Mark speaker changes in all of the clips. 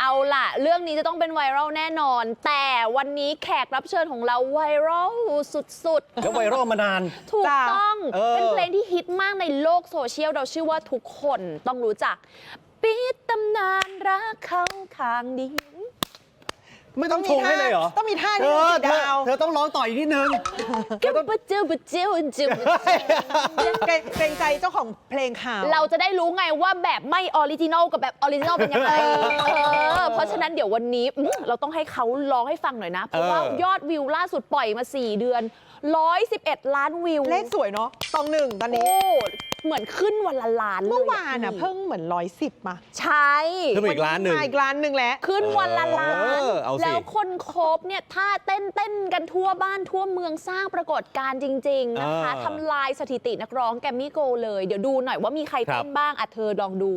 Speaker 1: เอาล่ะเรื่องนี้จะต้องเป็นไวรัลแน่นอนแต่วันนี้แขกรับเชิญของเราไวรัลสุดๆ
Speaker 2: แล้วไวรัลมานาน
Speaker 1: ถูกต้องเป็นเพลงที่ฮิตมากในโลกโซเชียลเราเชื่อว่าทุกคนต้องรู้จักปิดตำนานรักเขาข้างเดียว
Speaker 2: ไม่ต้องชงให้เลยเหรอ
Speaker 3: ต้องมีท่านี้ดาว
Speaker 2: เธอต้องร้องต่ออีกนิดนึง
Speaker 1: ก็ปะเจ้าปะเจ้าจิ้ม
Speaker 3: เกรงใจเจ้าของเพลงข่าว
Speaker 1: เราจะได้รู้ไงว่าแบบไม่ออริจินอลกับแบบออริจินอลเป็นยังไงเพราะฉะนั้นเดี๋ยววันนี้เราต้องให้เขาร้องให้ฟังหน่อยนะเพราะว่ายอดวิวล่าสุดปล่อยมา4 เดือน111 ล้านวิว
Speaker 3: เลขสวยเนาะตองหนึ่งตอนนี้
Speaker 1: เหมือนขึ้นวันละล้านเลย
Speaker 3: เมื่อวานเพิ่งเหมือน110มา
Speaker 1: ใช่
Speaker 2: ขึ้นอีกล้านหนึ่ง
Speaker 3: อีกล้านหนึ่งแล้ว
Speaker 1: ขึ้นวันละล้านแล้วคนโคบเนี่ยท่าเต้นกันทั่วบ้านทั่วเมืองสร้างปรากฏการณ์จริงๆนะคะทำลายสถิตินักร้องแกมมี่โกเลยเดี๋ยวดูหน่อยว่ามีใครเต้นบ้างเธอลองดู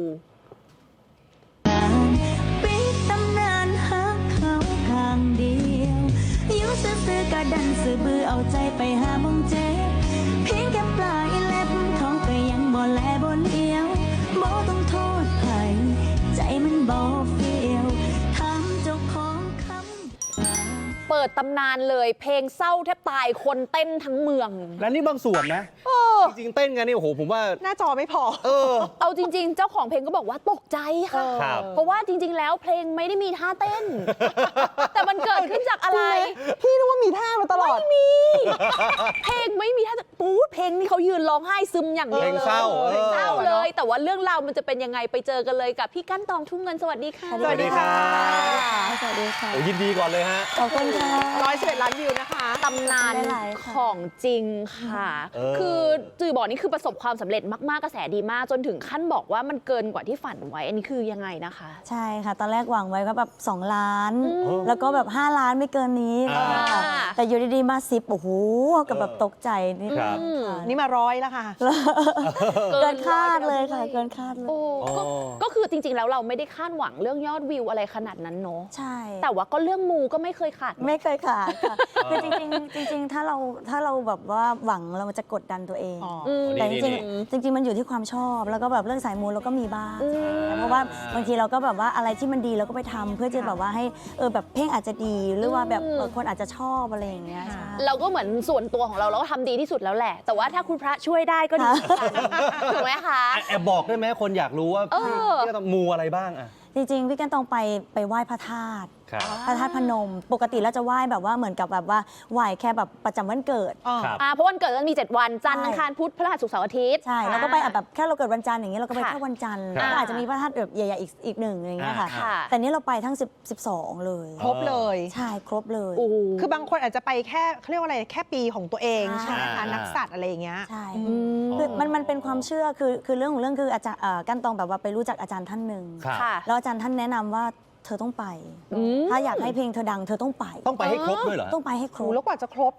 Speaker 4: ปิดตำนานหักเขาข้างเดียวอยู่ซื่อๆกะดันซื่อบือเอาใจไปหามองเจ็บเพียงแค่ปลายเล็บเขาก็ยังบ่แลบ่เลี้ยวบ่ต้องโทษใครใจมันบ่เฟียวทำเจ้าของคำ
Speaker 1: เปิดตำนานเลยเพลงเศร้าแทบตายคนเต้นทั้งเมือง
Speaker 2: และนี่บางส่วนนะจริงๆเต้นกันนี่โอ้โหผมว่า
Speaker 3: หน้าจอไม่พอ
Speaker 1: เอาจริงๆเจ้าของเพลงก็บอกว่าตกใจค่ะเพราะว่าจริงๆแล้วเพลงไม่ได้มีท่าเต้นแต่มันเกิดขึ้นจากอะไร
Speaker 3: พี่นึกว่ามีท่ามาตลอด
Speaker 1: ไม่มีเพลงไม่มีท่าปู๊ดเพลงนี้เขายืนร้องไห้ซึมอย่างเดียว
Speaker 2: เพลงเศร้า
Speaker 1: เลยแต่ว่าเรื่องราวมันจะเป็นยังไงไปเจอกันเลยกับพี่กั้นตองทุ่งเงินสวัสดีค่ะ
Speaker 2: สวัสดีค่ะ
Speaker 4: สวัสดีค่ะ
Speaker 2: ยินดีก่อนเลยฮะ
Speaker 4: ขอบคุณค่ะ
Speaker 3: 111 ล้านวิวนะคะ
Speaker 1: ตำนานของจริงค่ะคือจือบอกนี่คือประสบความสำเร็จมากๆกระแสดีมากจนถึงขั้นบอกว่ามันเกินกว่าที่ฝันไว้อันนี้คือยังไงนะคะ
Speaker 4: ใช่ค่ะตอนแรกหวังไว้ก็แบบ2 ล้านแล้วก็แบบ5 ล้านไม่เกินนี้แต่อยู่ดีๆมา10โอ้โหกับแบบตกใจ
Speaker 3: นี่มา100แล้วค่ะ
Speaker 4: เกินคาดเลยค่ะเกินคาดเลย
Speaker 1: ก็คือจริงๆแล้วเราไม่ได้คาดหวังเรื่องยอดวิวอะไรขนาดนั้นเนาะ
Speaker 4: ใช่
Speaker 1: แต่ว่าก็เรื่องมูก็ไม่เคยขาด
Speaker 4: ไม่เคยขาดค่ะคือจริงๆถ้าเราแบบว่าหวังเราจะกดดันตัวเองแต่จริงมันอยู่ที่ความชอบแล้วก็แบบเรื่องสายมูเราก็มีบ้างเพราะว่าบางทีเราก็แบบว่าอะไรที่มันดีเราก็ไปทำเพื่อจะแบบว่าให้แบบเพลงอาจจะดีหรือว่าแบบคนอาจจะชอบอะไรอย่างเงี้ย
Speaker 1: เราก็เหมือนส่วนตัวของเราก็ทำดีที่สุดแล้วแหละแต่ว่าถ้าคุณพระช่วยได้ก็ดีถูกไหมคะ
Speaker 2: แอบบอกได้ไหมคนอยากรู้ว่าพี่ต้องมูอะไรบ้างอะ
Speaker 4: จริงๆพี่กันต้องไปไหว้พระธาตุพระธาตุพนมปกติเราจะไหว้แบบว่าเหมือนกับแบบว่าไหว้แค่แบบประจำวันเกิด
Speaker 1: เพราะวันเกิดมันมี7 วันจันทร์อังคารพุธพฤหัสศุกร์เสาร์อาทิตย์
Speaker 4: ใช่แล้วก็ไปแบบแค่เราเกิดวันจันทร์อย่างเงี้ยเราก็ไปแค่วันจันทร์ก็อาจจะมีพระธาตุแบบใหญ่ๆอีก1อย่างเงี้ยค่ะแต่นี้เราไปทั้ง12เลย
Speaker 3: ครบเลย
Speaker 4: ใช่ครบเลย
Speaker 3: คือบางคนอาจจะไปแค่เขาเรียกว่าอะไรแค่ปีของตัวเองใช่ไหมคะนักสัตว์อะไรอย่างเงี้ย
Speaker 4: ใช่คือมันเป็นความเชื่อคือเรื่องของเรื่องคืออาจารย์กันตองแบบว่าไปรู้จักอาจารย์ท่านหนึ่งแล้วอาจารย์ท่านแนะนำว่าเธอต้องไปถ้าอยากให้เพลงเธอดังเธอต้องไป
Speaker 2: ให้ครบด้วยเหรอ
Speaker 4: ต้องไปให้ครบ
Speaker 3: แล้วกว่าจะครบ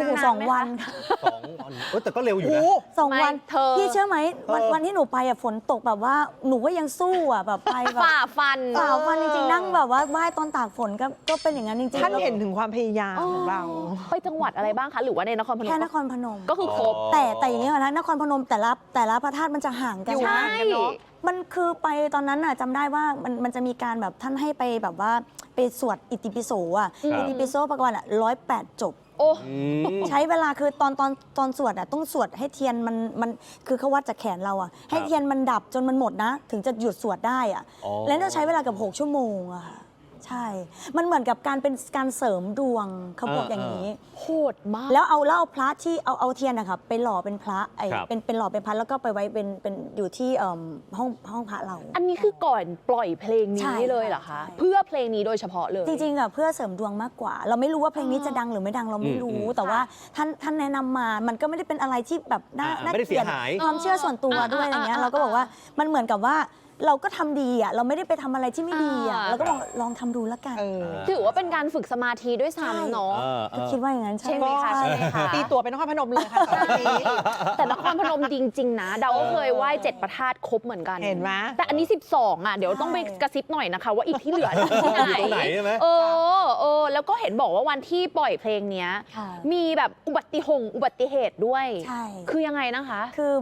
Speaker 4: 2 วัน
Speaker 2: แต่ก็เร็วอยู่นะ
Speaker 4: 2 วันพี่เชื่อไหมวันที่หนูไปฝนตกแบบว่าหนูก็ยังสู้แบบไปแบบ
Speaker 1: ฝ่าฟัน
Speaker 4: จริงๆนั่งแบบว่าไหว้ตอนตากฝนก็เป็นอย่างนั้นจริงๆ
Speaker 3: ท่านเห็นถึงความพยายามของเรา
Speaker 1: ไปจังหวัดอะไรบ้างคะหรือว่าในนครพนม
Speaker 4: แค่นครพนม
Speaker 1: ก็คือครบ
Speaker 4: แต่อย่างนี้นะนครพนมแต่ละพระธาตุมันจะห่างกัน
Speaker 1: ใช่
Speaker 4: มันคือไปตอนนั้นจำได้ว่ามันจะมีการแบบท่านให้ไปแบบว่าไปสวดอิติปิโสอิติปิโสประมาณ108 จบใช้เวลาคือตอนสวดต้องสวดให้เทียนมันคือเขาวัดจากแขนเราให้เทียนมันดับจนมันหมดนะถึงจะหยุดสวดได้แล้วต้องใช้เวลากับ6 ชั่วโมงค่ะใช่มันเหมือนกับการเป็นการเสริมดวงเขาบอกอย่างนี้
Speaker 1: โหดมาก
Speaker 4: แล้วเอาพระที่เอาเทียนนะคะไปหล่อเป็นพระเป็นหล่อเป็นพระแล้วก็ไปไว้เป็นอยู่ที่ห้องพระเรา
Speaker 1: อันนี้คือก่อนปล่อยเพลงนี้เลยเหรอคะเพื่อเพลงนี้โดยเฉพาะเลย
Speaker 4: จริงๆเพื่อเสริมดวงมากกว่าเราไม่รู้ว่าเพลงนี้จะดังหรือไม่ดังเราไม่รู้แต่ว่าท่านแนะนำมามันก็ไม่ได้เป็นอะไรที่แบบน่าเกลียดความเชื่อส่วนตัวด้วยอะไรเงี้ยเราก็บอกว่ามันเหมือนกับว่าเราก็ทำดีเราไม่ได้ไปทำอะไรที่ไม่ดีเราก็ลองทำดูแล้วกัน
Speaker 1: ถือว่าเป็นการฝึกสมาธิด้วยซ้ำเนาะ
Speaker 4: คิดว่าอย่างนั้น
Speaker 1: ใช่ไหมคะ
Speaker 3: ตีตัวเป็นนครพนมเลยค่ะ
Speaker 1: แต่นครพนมจริงๆนะเดาก็เคยไหว้7 พระธาตุครบเหมือนกัน
Speaker 3: เห็นไหม
Speaker 1: แต่อันนี้12เดี๋ยวต้องไปกระซิบหน่อยนะคะว่าอีกที่เหลือที่ไหนแล้วก็เห็นบอกว่าวันที่ปล่อยเพลงนี้มีแบบอุบัติเหตุด้วยคือยังไงนะคะ
Speaker 4: คือแบบ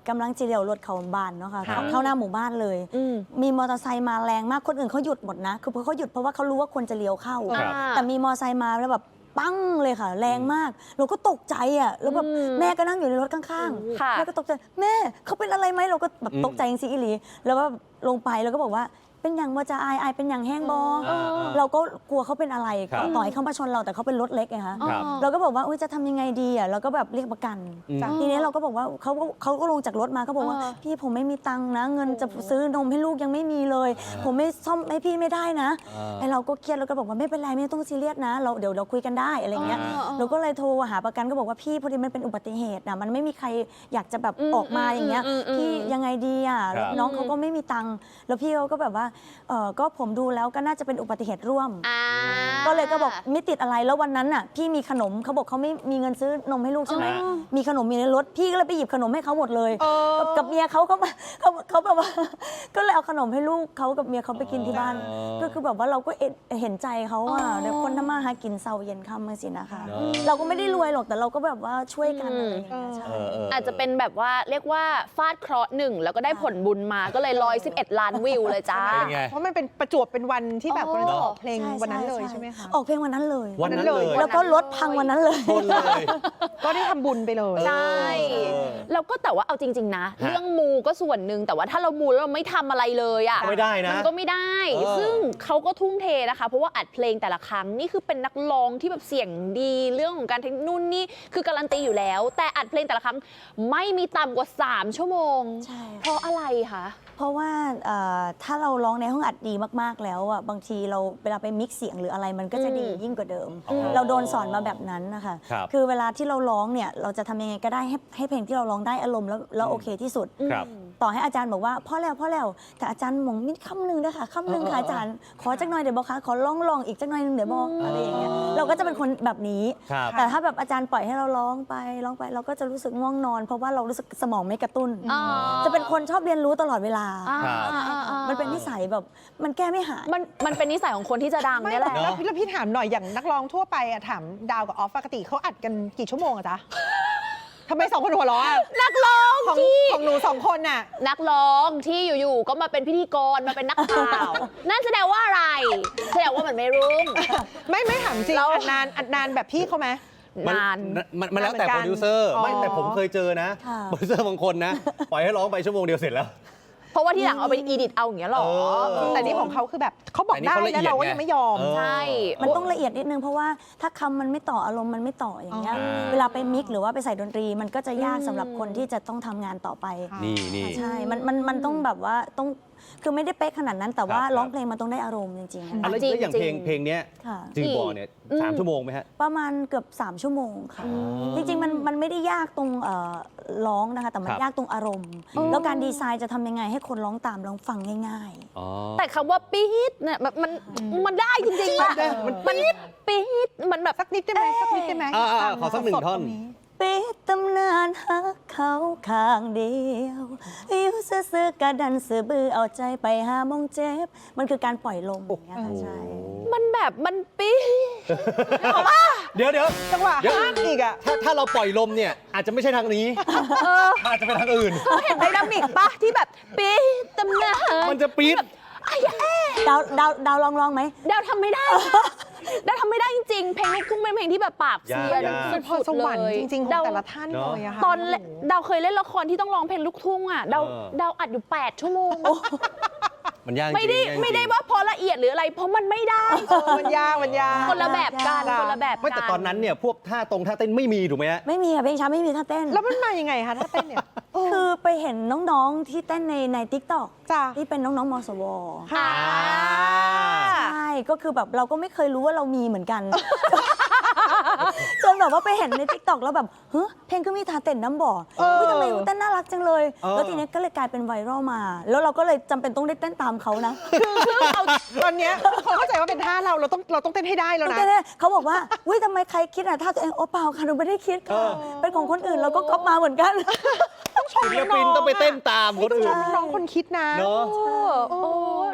Speaker 4: กำลังจีเดียวรถเขาบ้านเนาะค่ะเข้าหน้าหมู่บ้านเลย มีมอเตอร์ไซค์มาแรงมากคนอื่นเขาหยุดหมดนะคือเขาหยุดเพราะว่าเขารู้ว่าคนจะเลี้ยวเข้า แต่มีมอเตอร์ไซค์มาแล้วแบบปั้งเลยค่ะแรงมากเราก็ตกใจอ่ะแล้วแบบแม่ก็นั่งอยู่ในรถข้างๆแม่ก็ตกใจแม่เขาเป็นอะไรไหมเราก็แบบตกใจจริงๆอีหลีแล้วก็ลงไปแล้วก็บอกว่าเป็นอย่างว่าจะอายเป็นอย่างแห้งบอเราก็กลัวเขาเป็นอะไรต่อให้เขามาชนเราแต่เขาเป็นรถเล็กไงคะเราก็บอกว่าจะทำยังไงดีอ่ะเราก็แบบเรียกประกันทีนี้เราก็บอกว่าเขาก็ลงจากรถมาเขาบอกว่าพี่ผมไม่มีตังค์นะเงินจะซื้อนมให้ลูกยังไม่มีเลยผมไม่ซ่อมให้พี่ไม่ได้นะไอเราก็เครียดเราก็บอกว่าไม่เป็นไรไม่ต้องซีเรียสนะเดี๋ยวเราคุยกันได้อะไรเงี้ยเราก็เลยโทรหาประกันก็บอกว่าพี่พอดีมันเป็นอุบัติเหตุนะมันไม่มีใครอยากจะแบบออกมาอย่างเงี้ยพี่ยังไงดีอ่ะน้องเขาก็ไม่มีตังค์แล้วพี่เขาก็แบบว่าก็ผมดูแล้วก็น่าจะเป็นอุบัติเหตุร่วมก็เลยก็บอกไม่ติดอะไรแล้ววันนั้นน่ะพี่มีขนมเขาบอกเขาไม่มีเงินซื้อนมให้ลูกใช่ไหมมีขนมมีในรถพี่ก็เลยไปหยิบขนมให้เขาหมดเลยกับเมียเขาแบบว่าก็เลยเอาขนมให้ลูกเขากับเมียเขาไปกินที่บ้านก็คือแบบว่าเราก็เห็นใจเขาอ่ะเดี๋ยวคนทำมาหากินเช้าเย็นค่ำมาสินะคะเราก็ไม่ได้รวยหรอกแต่เราก็แบบว่าช่วยกันอะไรอย่างเงี้ยใช่
Speaker 1: อาจจะเป็นแบบว่าเรียกว่าฟาดเคราะห์หนึ่งแล้วก็ได้ผลบุญมาก็เลย111 ล้านวิวเลยจ้า
Speaker 3: เพราะมันเป็นประจวบเป็นวันที่แบบเราจะออกเพลงวันนั้นเลยใช่ไหมคะ
Speaker 4: ออกเพลงวันนั้นเลย
Speaker 2: วันนั้นเลย
Speaker 4: แล้วก็รถพังวันนั้นเลย
Speaker 3: ก็ได้ทำบุญไปเลย
Speaker 1: ใช่แล้วก็แต่ว่าเอาจริงๆนะเรื่องมูก็ส่วนหนึ่งแต่ว่าถ้าเรามูแล้วเราไม่ทำอะไรเลยอ่ะ
Speaker 2: ไม่ได้นะ
Speaker 1: มันก็ไม่ได้ซึ่งเขาก็ทุ่มเทนะคะเพราะว่าอัดเพลงแต่ละครั้งนี่คือเป็นนักร้องที่แบบเสียงดีเรื่องของการเทคนิคนู่นนี่คือการันตีอยู่แล้วแต่อัดเพลงแต่ละครั้งไม่มีต่ำกว่า3 ชั่วโมงเพราะอะไรคะ
Speaker 4: เพราะว่าถ้าเราร้องในห้องอัดดีมากๆแล้วอ่ะบางทีเราเวลาไปมิกซ์เสียงหรืออะไรมันก็จะดียิ่งกว่าเดิมเราโดนสอนมาแบบนั้นนะคะคือเวลาที่เราร้องเนี่ยเราจะทำยังไงก็ได้ให้เพลงที่เราร้องได้อารมณ์แล้วโอเคที่สุดต่อให้อาจารย์บอกว่าพ่อแล้วแต่อาจารย์มองมิดคำหนึ่งนะคะคำหนึ่งค่ะอาจารย์ขอจักหน่อยเดี๋ยวบอกค่ะขอลองอีกจักหน่อยนึงเดี๋ยวบอกอะไรอย่างเงี้ยเราก็จะเป็นคนแบบนี้แต่ถ้าแบบอาจารย์ปล่อยให้เราร้องไปเราก็จะรู้สึกง่วงนอนเพราะว่าเรารู้สึกสมองไม่กระตุ้นจะเป็นคนชอบเรียนรู้ตลอดเวลามันเป็นนิสัยแบบมันแก้ไม่หาย
Speaker 1: มันเป็นนิสัยของคนที่จะดังนี่แหละ
Speaker 3: แล้วพี่ถามหน่อยอย่างนักร้องทั่วไปอะถามดาวกับออฟปกติเขาอัดกันกี่ชั่วโมงอะจ๊ะทำไม2 คนหัวเราะ
Speaker 1: นักร้อง
Speaker 3: ของหนู2 คนน่ะ
Speaker 1: นักร้องที่อยู่ๆก็มาเป็นพิธีกรมาเป็นนักข่าวนั่นแสดงว่าอะไรแสดงว่ามันไม่รุ่ง
Speaker 3: ไม่ถามจริงอัดนานแบบพี่เขาไหม
Speaker 2: มันแล้วแต่โปรดิวเซอร์ไม่แต่ผมเคยเจอนะโปรดิวเซอร์บางคนนะปล่อยให้ร้องไปชั่วโมงเดียวเสร็จแล้ว
Speaker 1: เพราะว่าที่หลังเอาไปอีดิทเอาอย่างเงี้ยหรอ
Speaker 3: แต่นี่ของเขาคือแบบเขาบอกได้แล้วเราก็ยังไม่ยอม
Speaker 1: ใช่
Speaker 4: มันต้องละเอียดนิดนึงเพราะว่าถ้าคำมันไม่ต่ออารมณ์มันไม่ต่ออย่างเงี้ยเวลาไปมิกหรือว่าไปใส่ดนตรีมันก็จะยากสำหรับคนที่จะต้องทำงานต่อไป
Speaker 2: นี่
Speaker 4: ใช่มันต้องแบบว่าต้องคือไม่ได้เป๊ะขนาดนั้นแต่ว่าร้องเพลงมันต้องได้อารมณ์จริง
Speaker 2: ๆแล้วอย่างเพลงนี้จือบอเนี่ย3 ชั่วโมงไหมฮะ
Speaker 4: ประมาณเกือบ3 ชั่วโมงค่ะจริงๆมันไม่ได้ยากตรงร้องนะคะแต่มันยากตรงอารมณ์แล้วการดีไซน์จะทำยังไงให้คนร้องตามร้องฟังง่าย
Speaker 1: ๆแต่คำว่าปี๊ดเนี่ยมันได้จริงๆมันปี๊ดมันแบบ
Speaker 3: สักนิดได้ไหม
Speaker 2: ขอสัก1 ท่อน
Speaker 4: ปิดตำนานหักเขาข้างเดียวอยู่ซื่อๆกระดันซื่อบื้อเอาใจไปหามองเจ็บมันคือการปล่อยลมอย่างเงี้ยใช่
Speaker 1: มันแบบมันปี๊ด
Speaker 2: เดี๋ยว
Speaker 3: จังหวะฮักอีกอ่ะ
Speaker 2: ถ้าเราปล่อยลมเนี่ยอาจจะไม่ใช่ทางนี้อาจจะเป็นทางอื่น
Speaker 1: เห็นไดนามิกปะที่แบบปี๊ดตำนาน
Speaker 2: มันจะปี๊ด
Speaker 4: ดาวลองไหม
Speaker 1: ดาวทำไม่ได้ดาวทำไม่ได้จริงๆเพลงลูกทุ่งเป็นเพลงที่แบบปราบเซียน
Speaker 3: เป็นพรสวรรค์จริงๆของแต่ละท่านเลยอะค่ะ
Speaker 1: ตอนดาวเคยเล่นละครที่ต้องร้องเพลงลูกทุ่งอะดาวอัดอยู่8 ชั่วโมง
Speaker 2: มันยาก
Speaker 1: ไม่ได้ว่าพอละเอียดหรืออะไรเพราะมันไม่ได้
Speaker 3: มันยาก
Speaker 1: คนละแบบกัน
Speaker 2: ไม่แต่ตอนนั้นเนี่ยพวกท่าเต้นไม่มีถูกไหมฮะ
Speaker 4: ไม่มีค่ะเพลงช้าไม่มีท่าเต้น
Speaker 3: แล้วมันมายังไงคะท่าเต้นเนี่ย
Speaker 4: คือไปเห็นน้องๆที่เต้นใน TikTok ที่เป็นน้องๆมสวใช่ก็คือแบบเราก็ไม่เคยรู้ว่าเรามีเหมือนกันจนแบบว่าไปเห็นใน TikTok แล้วแบบเฮ้ยเพลงก็มีท่าเต้นน้ำบ่อทำไมเต้นน่ารักจังเลยแล้วทีนี้ก็เลยกลายเป็นไวรัลมาแล้วเราก็เลยจำเป็นต้องได้เต้นตามเขานะ
Speaker 3: คือตอนนี้เขาเข้าใจว่าเป็นท่าเราต้องเต้นให้ได้แล้วนะ
Speaker 4: เขาบอกว่าอุ้ยทำไมใครคิดท่าตัวเองโอ้เปล่าค่ะหนูไม่ได้คิดค่ะเป็นของคนอื่นเราก็ก๊อปมาเหมือนกัน
Speaker 3: ต้องชม
Speaker 2: ศิลปินต้องไปเต้นตามคนอื่น
Speaker 3: น้องคนคิดนะ
Speaker 1: โอ้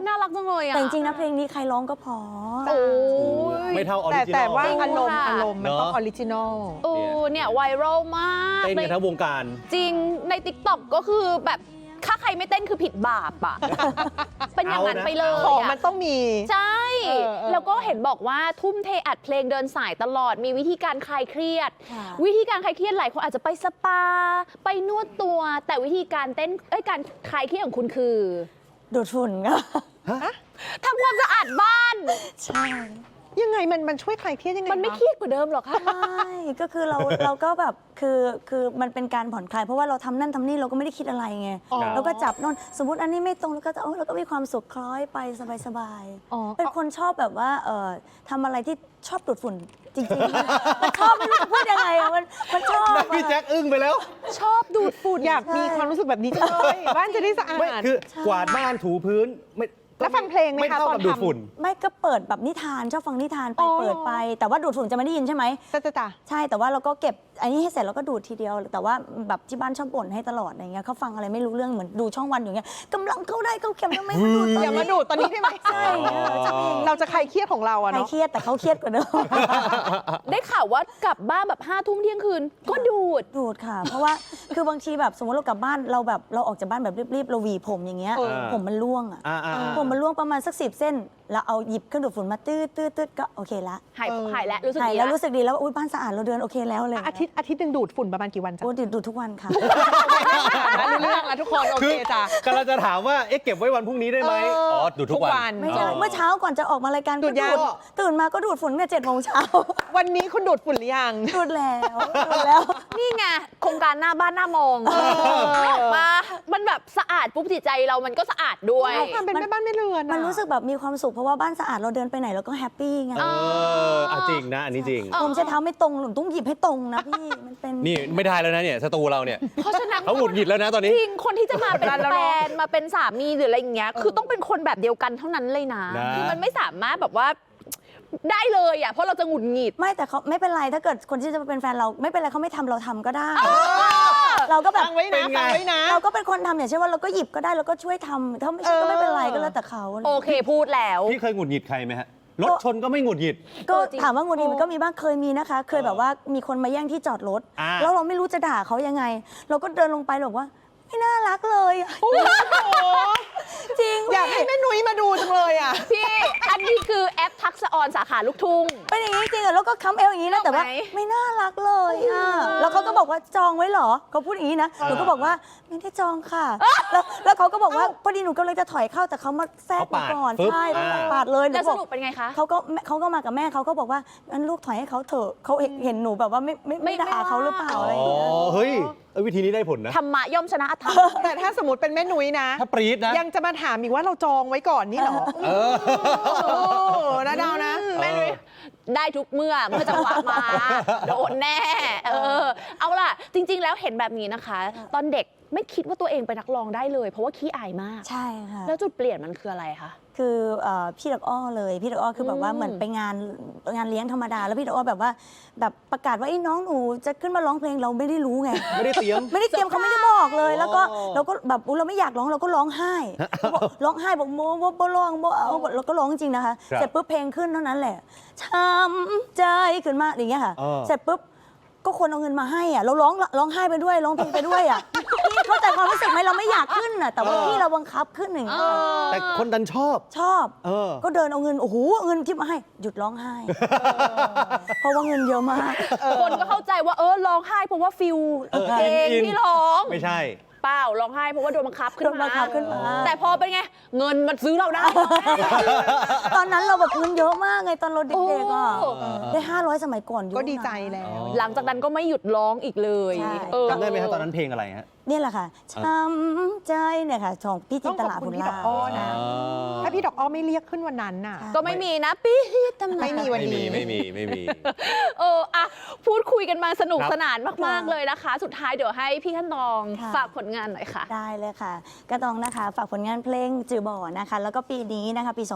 Speaker 1: น่ารักจังเลยอ่ะ
Speaker 4: แต่จริงๆนะเพลงนี้ใครร้องก็พอ
Speaker 1: โอ้ย
Speaker 2: ไม่เท่าออริจินอล
Speaker 3: แต่ว่า
Speaker 1: จริง
Speaker 3: อารมณ์
Speaker 1: ค่ะ
Speaker 3: มันต้อง
Speaker 2: เนอะ
Speaker 3: ออริจินอล
Speaker 1: โอ้เนี่ยไวรัลมาก
Speaker 2: เต้นกันทั้งวงการ
Speaker 1: จริงใน TikTok ก็คือแบบถ้าใครไม่เต้นคือผิดบาปอ่ะ เป็นอย่างนั้นไปเลย
Speaker 3: ของ
Speaker 1: อะ
Speaker 3: มันต้องมี
Speaker 1: ใช่
Speaker 3: เออ
Speaker 1: แล้วก็เห็นบอกว่าทุ่มเทอัดเพลงเดินสายตลอดมีวิธีการคลายเครียด
Speaker 4: ค่ะ
Speaker 1: วิธีการคลายเครียดหลายคนอาจจะไปสปา ไปนวดตัว แต่วิธีการเต้นการคลายเครียดของคุณคือ
Speaker 4: ดูดฝุ่นก็
Speaker 1: ทำความสะอาดบ้าน
Speaker 4: ใช่
Speaker 3: ยังไงมันช่วยคลายเครียดยังไง
Speaker 1: มันไม่
Speaker 3: คะ
Speaker 1: เครียดกว่าเดิมหรอคะ
Speaker 4: ไม่ก็คือเราก็แบบคือมันเป็นการผ่อนคลายเพราะว่าเราทำนั่นทำนี่เราก็ไม่ได้คิดอะไรไง
Speaker 3: อ๋อ
Speaker 4: เราก็จับโน่นสมมติอันนี้ไม่ตรงเราก็จะเราก็มีความสุขคล้อยไปสบาย
Speaker 3: อ๋อ
Speaker 4: ๆเป็นคนชอบแบบว่าทำอะไรที่ชอบดูดฝุ่นจริงๆ มันชอบไม่รู้จะพูดยังไงอะมันชอบอะ
Speaker 2: พี่แจ็คอึ้งไปแล้ว
Speaker 1: ชอบดูดฝุ่น
Speaker 3: อยากมีความรู้สึกแบบนี้จังเลยบ้านจะได้สะอา
Speaker 2: ไม่
Speaker 3: ด
Speaker 2: คือกวาดบ้านถูพื้นไม่
Speaker 3: แล้วฟังเพลงไหมคะ
Speaker 2: ไม่เท่า
Speaker 3: ตอ
Speaker 2: กัน บดูด
Speaker 3: ทำ
Speaker 2: ฝุ่น
Speaker 4: ไม่ก็เปิดแบบนิทานชอบฟังนิทานไป
Speaker 3: อ๋อ
Speaker 4: เปิดไป แต่ว่าดูดฝุ่นจะไม่ได้ยินใช่ไหม
Speaker 3: จ้ะ
Speaker 4: ใช่แต่ว่าเราก็เก็บอันนี้ให้เสร็จแล้วก็ดูดทีเดียว แต่ว่าแบบที่บ้านชอบบ่นให้ตลอดอะไรเงี้ยเขาฟังอะไรไม่รู้เรื่องเหมือนดูช่องวันอยู่เงี้ยกำลังเข้าได้เข้าเข็มทำไมมาดูดตอน
Speaker 3: อย่า
Speaker 4: นี้
Speaker 3: มาดูดตอนนี้ได้ไหม
Speaker 4: ใช่ใช่
Speaker 3: เราจะคลายเครียดของเราอะ
Speaker 4: ใคร
Speaker 3: เนาะ
Speaker 4: เครียดแต่เขาเครียดกว่าเดิม
Speaker 1: ได้ข่าวว่ากลับบ้านแบบ5 ทุ่มเที่ยงคืน ก็ดูด
Speaker 4: ดูดค่ะ เพราะว่าคือบางทีแบบสมมติเรากลับบ้านเราแบบเราออกจากบ้านแบบรีบๆเราหวีผมอย่างเงี้ย
Speaker 3: เออ
Speaker 4: ผมมันร่วงอ่ะ ผมมันร่วงประมาณสัก10 เส้น แล้วเอาหยิบเครื่องดูดฝุ่นมาตืดก็โอเคละ
Speaker 1: หายแล้วรู้สึก
Speaker 4: ใช่
Speaker 1: ดี
Speaker 4: แล้วรู้สึกดีแล้วว่าอุ๊ยบ้านสะอาดเราเดินโอเคแล้วเลย
Speaker 3: อาทิตย์หนึ่งดูดฝุ่นประมาณกี่วันจ๊ะ
Speaker 4: โอ้ดูดทุกวันค่ะ
Speaker 3: รู้เรื่องแล้วทุกคนโอเคจ้ะ
Speaker 2: กำลังจะถามว่าเก็บไว้วันพรุ่งนี้ได้ไหมอ๋อดูดทุกวัน
Speaker 4: ไม่ใช่เมื่อเช้าก่อนจะออกมารายการ
Speaker 3: ดู
Speaker 4: ก็
Speaker 3: ดยัง
Speaker 4: ตื่นมาก็ดูดฝุ่นตั้งแต่7 โมงเช้า
Speaker 3: วันนี้คุณดูดฝุ่นหรือยัง
Speaker 4: ดูดแล้ว
Speaker 1: นี่ไงโครงการหน้าบ้านหน้ามองมามันแบบสะอาดปุ๊บจิตใจเรามันก็สะอาดด้วย
Speaker 3: ความเป็นแม่บ้านไม่เรือนอะ
Speaker 4: มันรู้สึกแบบมีความสุขเพราะว่าบ้านสะอาดเราเดินไปไหนเราก็แฮปปี้ไง
Speaker 2: จริงนะอันนี้จริง
Speaker 4: ผมใช้เท้าไม่ตรงหนูต้องหยิบให้ตรงนะพี่มันเป็น
Speaker 2: นี่ไม่ได้แล้วนะเนี่ยสตูเราเนี่ย
Speaker 1: เพราะฉะนั้น
Speaker 2: เขาหงุดหงิดแล้วนะตอนนี้
Speaker 1: จริงคนที่จะมาเป็นแฟนมาเป็นสามีหรืออะไรอย่างเงี้ยคือต้องเป็นคนแบบเดียวกันเท่านั้นเลยนะ
Speaker 2: นะ
Speaker 1: คือมันไม่สามารถแบบว่าได้เลยอ่ะเพราะเราจะหงุดหงิด
Speaker 4: ไม่แต่เขาไม่เป็นไรถ้าเกิดคนที่จะมาเป็นแฟนเราไม่เป็นไรเขาไม่ทำเราทำก็ได้ เราก็แบบ
Speaker 3: ฟังไว้นะฟังไว้นะ
Speaker 4: เราก็เป็นคนทำอย่างเช่นว่าเราก็หยิบก็ได้เราก็ช่วยทำถ้าไม่ใช่ก็ไม่เป็นไรก็แล้วแต่เขา
Speaker 1: โอเคพูดแล้ว
Speaker 2: พี่เคยหงุดหงิดใครไหมฮะรถชนก็ไม่หงุดหงิด
Speaker 4: ก็ถามว่างูดีมันก็มีบ้างเคยมีนะคะ เคยแบบว่ามีคนมาแย่งที่จอดรถ แล้วเราไม่รู้จะด่าเขายังไง เราก็เดินลงไปบอกว่าไม่น่ารักเลยอะจริง
Speaker 3: อยากให้แม่นุ้ยมาดูจังเลยอ่ะ
Speaker 1: พี่อันนี้คือแอปทักษะออนสาขาลูกทุ่ง
Speaker 4: เป็นอย่างนี้จริงอะแล้วก็ค้ำเอวอย่างนี้นะแต่ว่า
Speaker 1: ไหม
Speaker 4: ไม่น่ารักเลยอะแล้วเขาก็บอกว่าจองไว้เหรอเขาพูดอย่างนี้นะหนูก็บอกว่าไม่ได้จองค่ะแล้วเขาก็บอกว่าพอดีหนูก็เลยจะถอยเข้าแต่เขามาแทรกหนูก่อน
Speaker 2: เขาปาด
Speaker 4: ใช่
Speaker 2: ปึ๊บ
Speaker 4: ปาดเลยหนู
Speaker 1: แล้ว
Speaker 4: บ
Speaker 1: ส
Speaker 4: อก
Speaker 1: รุปเป็นไงคะ
Speaker 4: เขาก็มากับแม่เขาก็บอกว่างั้นลูกถอยให้เขาเถอะเขาเห็นหนูแบบว่าไม่ด่าเขาหรือเปล่าอะไรอย่างเงี้ย
Speaker 2: เฮ้ยวิธีนี้ได้ผลนะ
Speaker 1: ธรรมะย่อมชนะอธรรม
Speaker 3: แต่ถ้าสมมติเป็นแม่นุ้ยนะ
Speaker 2: ถ้าปรี๊ดนะ
Speaker 3: ยังจะมาถามอีกว่าเราจองไว้ก่อนนี่เหรอโอ้นะดาวนะ
Speaker 1: ไม่รู้ได้ทุกเมื่อจังหวะมาโดนแน่เอาล่ะ จริง ๆ แล้วเห็นแบบนี้นะคะ ตอนเด็กไม่คิดว่าตัวเองเป็นนักร้องได้เลย เพราะว่าขี้อายมาก
Speaker 4: ใช่ค่ะ
Speaker 1: แล้วจุดเปลี่ยนมันคืออะไรคะ
Speaker 4: คือพี่ดอกอ้อเลยพี่ดอกอ้อคือแบบว่าเหมือนไปงานเลี้ยงธรรมดาแล้วพี่ดอกอ้อแบบว่าแบบประกาศว่าไอ้น้องหนูจะขึ้นมาร้องเพลงเราไม่ได้รู้ไง
Speaker 2: ไม่ได้เตรียม
Speaker 4: ไม่ได้เตรียมเขาไม่ได้บอกเลย แล้วก็เราก็แบบอุ๊ยเราไม่อยากร้องเราก็ร้องไห้บอกร้องไห้บอกโมบ่ร้องบ่เอาเราก็ร้องจริงนะคะ
Speaker 2: ครับ
Speaker 4: เสร็จปุ๊บเพลงขึ้นเท่านั้นแหละช้ำใจขึ้นมาอย่างเงี้ยค่ะ เสร็จปุ๊บก็คนเอาเงินมาให้อ่ะเราร้องไห้ไปด้วยร้องเพลงไปด้วยอ่ะพี่เข้าใจความรู้สึกไหมเราไม่อยากขึ้นอ่ะแต่ว่าพี่เราบังคับขึ้นอย่างเงี้ย
Speaker 2: แต่คนดันชอบ
Speaker 4: ชอบ ก็เดินเอาเงินโอ้โหเงินที่มาให้หยุดร้องไห้ เพราะว่าเงินเยอะมาก
Speaker 1: คนก็เข้าใจว่าร้องไห้เพราะว่าฟิลเพลง
Speaker 2: อิน
Speaker 1: ที่ร้อง
Speaker 2: ไม่ใช่
Speaker 1: เปล่าร้องไห้เพราะว่าโดนบังคับขึ้น
Speaker 4: โดนบังคับขึ้นมา
Speaker 1: แต่พอเป็นไง เงินมันซื้อเราได้
Speaker 4: ตอนนั้นเราแบบเงินเยอะมากไงตอนเราเด็กๆอ่ะ
Speaker 1: โอ้
Speaker 4: ได้500สมัยก่อนเยอะ
Speaker 3: ก็
Speaker 4: นะ
Speaker 3: ดีใจแล้ว
Speaker 1: หลังจากนั้นก็ไม่หยุดร้องอีกเลย
Speaker 4: ใช่
Speaker 2: จำได้ไหมครับตอนนั้นเพลงอะไรฮะ
Speaker 4: เนี่ยแหละค่ะช้ำใจเนี่ยค่ะของพี่จินตลา
Speaker 3: ต้องขอบคุ
Speaker 4: ภู
Speaker 3: ณ
Speaker 4: ล
Speaker 3: พี่
Speaker 4: ลา
Speaker 3: ดอกอ้อนะ ถ้าพี่ดอกอ้อไม่เรียกขึ้นวันนั้นน่ะ
Speaker 1: ก็ไม่มีนะปี๊ดทำไม
Speaker 3: ไม่มีวัน
Speaker 2: ไม่มี
Speaker 3: นี้
Speaker 2: ไม่มี
Speaker 1: อะพูดคุยกันมาสนุก
Speaker 2: ครับ
Speaker 1: สนานมาก ๆ เลยนะคะ สุดท้ายเดี๋ยวให้พี่ขั้นตอง
Speaker 4: ค่ะ
Speaker 1: ฝากผลงานหน่อยค่ะ
Speaker 4: ได้เลยค่ะกระตองนะคะฝากผลงานเพลงจือบ่อนะคะแล้วก็ปีนี้นะคะปี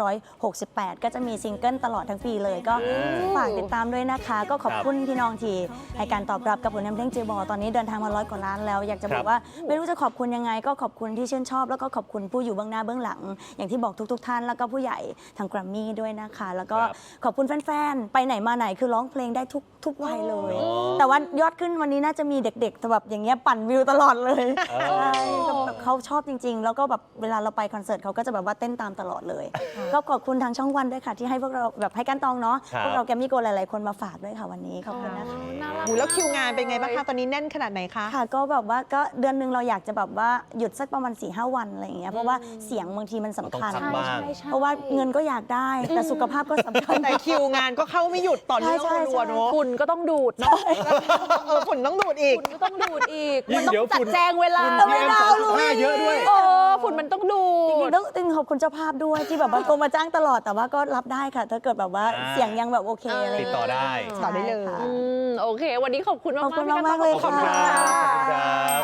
Speaker 4: 2568 ก็จะมีซิงเกิลตลอดทั้งปีเลยก็ฝากติดตามด้วยนะคะ ก็ขอบคุณพี่น้องที่ให้การตอบรับกับผลงานเพลงจือบ่อตอนนี้เดินทางมา100 กว่าล้านแล้วอยากจะจะบอกว่าไม่รู้จะขอบคุณยังไงก็ขอบคุณที่ชื่นชอบแล้วก็ขอบคุณผู้อยู่เบื้องหน้าเบื้องหลัง อย่างที่บอกทุกท่านแล้วก็ผู้ใหญ่ทางแกรมมี่ด้วยนะคะแล้วก็ขอบคุณแฟนๆไปไหนมาไหนคือร้องเพลงได้ทุกวัยเลย แต่ว่ายอดขึ้นวันนี้น่าจะมีเด็กๆแบบอย่างเงี้ยปั่นวิวตลอดเลยใช่แบบเขาชอบจริง ๆ แล้วก็แบบเวลาเราไปคอนเสิร์ตเขาก็จะแบบว่าเต้นตามตลอดเลย ก็ขอบคุณทางช่องวันด้วยค่ะที่ให้พวกเราแบบให้กันตองเนาะพวกเราแกมมี่โกหลายๆคนมาฝากด้วยค่ะวันนี้ขอบคุณนะคะ
Speaker 3: แล้วคิวงานเป็นไงบ้างคะตอนนี้แน่นขนาดไหนคะ
Speaker 4: ค่ะก็แบบว่าก็เดือนหนึงเราอยากจะแบบว่าหยุดสักประมาณ 4-5 วันอะไรอย่างเงี้ยเพราะว่าเสียงบางทีมันสำคัญ
Speaker 2: ต้องพักบ้าง
Speaker 4: เพราะว่าเงินก็อยากได้แต่สุขภาพก็สำคัญ
Speaker 3: แต่คิวงานก็เข้าไม่หยุดต่อเนื่อง
Speaker 4: ใช่
Speaker 3: รัวๆเนอะ
Speaker 1: ฝุ่นก็ต้องดูดเนาะ
Speaker 3: ฝุ่นต้องดูดอีก
Speaker 1: ฝุ่นก็ต้องดูดอีก
Speaker 2: ยิ่
Speaker 1: มัน
Speaker 2: ง
Speaker 1: ต้อง
Speaker 2: เดี๋ยว
Speaker 1: จัด
Speaker 2: ฝุ่น
Speaker 1: แจงเวลา
Speaker 2: ฝุ่น PM2.5 เยอะด้วย
Speaker 1: ฝุ่นมันต้องดู
Speaker 4: จริ
Speaker 1: ด
Speaker 4: งๆต้องขอบคุณเจ้าภาพด้วยที่แบบว่าโทรมาจ้างตลอดแต่ว่าก็รับได้ค่ะ ถ้าเกิดแบบว่าเสียงยังแบบโอเคอะไร
Speaker 2: ติดต่อได้
Speaker 3: ต่อได้เลย
Speaker 4: ใช่ค่ะ
Speaker 1: โอเค วันนี้ขอบคุณมาก
Speaker 4: ขอบคุณ
Speaker 1: พี่
Speaker 4: มากๆเลย
Speaker 2: ขอบคุณครับขอบคุณครับ